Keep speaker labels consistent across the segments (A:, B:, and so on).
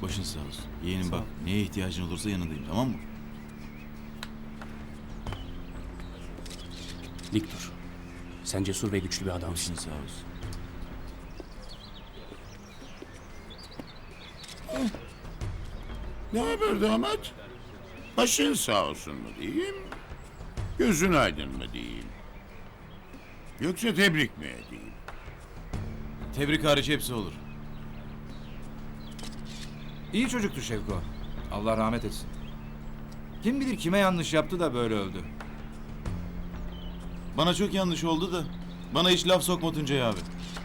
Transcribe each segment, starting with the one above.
A: Başın sağ olsun. Yeğenim
B: Sağ
A: bak,
B: ol.
A: neye ihtiyacın olursa yanındayım, tamam mı?
B: Dik dur. Sen cesur ve güçlü bir adamsın.
A: Başın sağ olsun.
C: Ne haber damat? Başın sağ olsun mu diyeyim? Gözün aydın mı diyeyim? Yoksa tebrik mi edeyim?
A: Tebrik hariç hepsi olur.
D: İyi çocuktu Şevko. Allah rahmet etsin. Kim bilir kime yanlış yaptı da böyle öldü.
A: Bana çok yanlış oldu da. Bana hiç laf sokma Tuncay abi.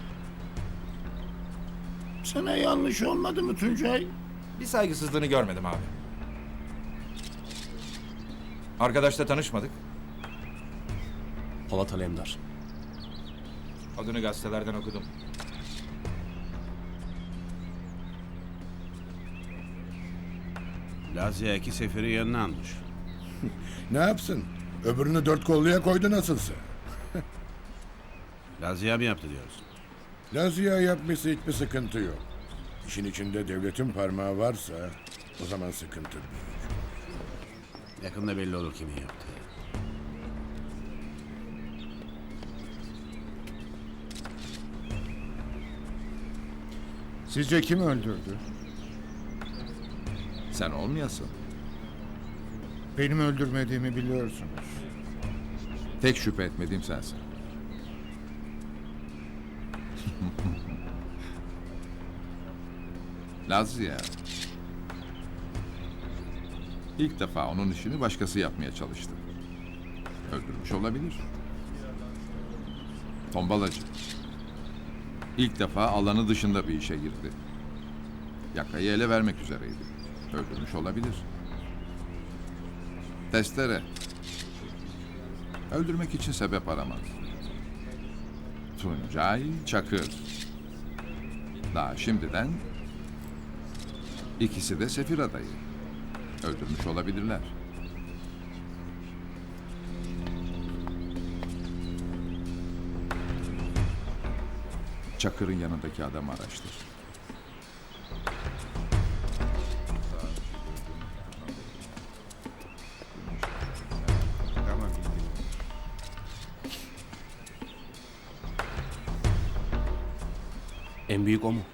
C: Sana yanlış olmadı mı Tuncay?
D: Bir saygısızlığını görmedim abi. Arkadaşla tanışmadık.
B: Polat Alemdar.
D: Adını gazetelerden okudum.
E: Lazia iki seferi yanına almış.
F: Ne yapsın? Öbürünü dört kolluya koydu nasılsa.
E: Lazia mı yaptı diyorsun?
F: Lazia yapması hiçbir sıkıntı yok. İşin içinde devletin parmağı varsa o zaman sıkıntı büyük.
E: Yakında belli olur kimin yaptığı.
G: Sizce kim öldürdü?
D: Sen olmayasın.
G: Benim öldürmediğimi biliyorsunuz.
H: Tek şüphe etmediğim sensin. Lazia. İlk defa onun işini başkası yapmaya çalıştı. Öldürmüş olabilir. Tombalacı. İlk defa alanı dışında bir işe girdi. Yakayı ele vermek üzereydi. Öldürmüş olabilir. Testere. Öldürmek için sebep aramaz. Tuncay Çakır. Daha şimdiden ikisi de sefir adayı. Öldürmüş olabilirler. Çakır'ın yanındaki adamı araştır.
G: Tamam.
B: En büyük o mu?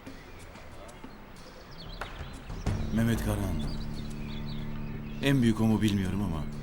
A: Mehmet Karahan. En büyük o mu bilmiyorum ama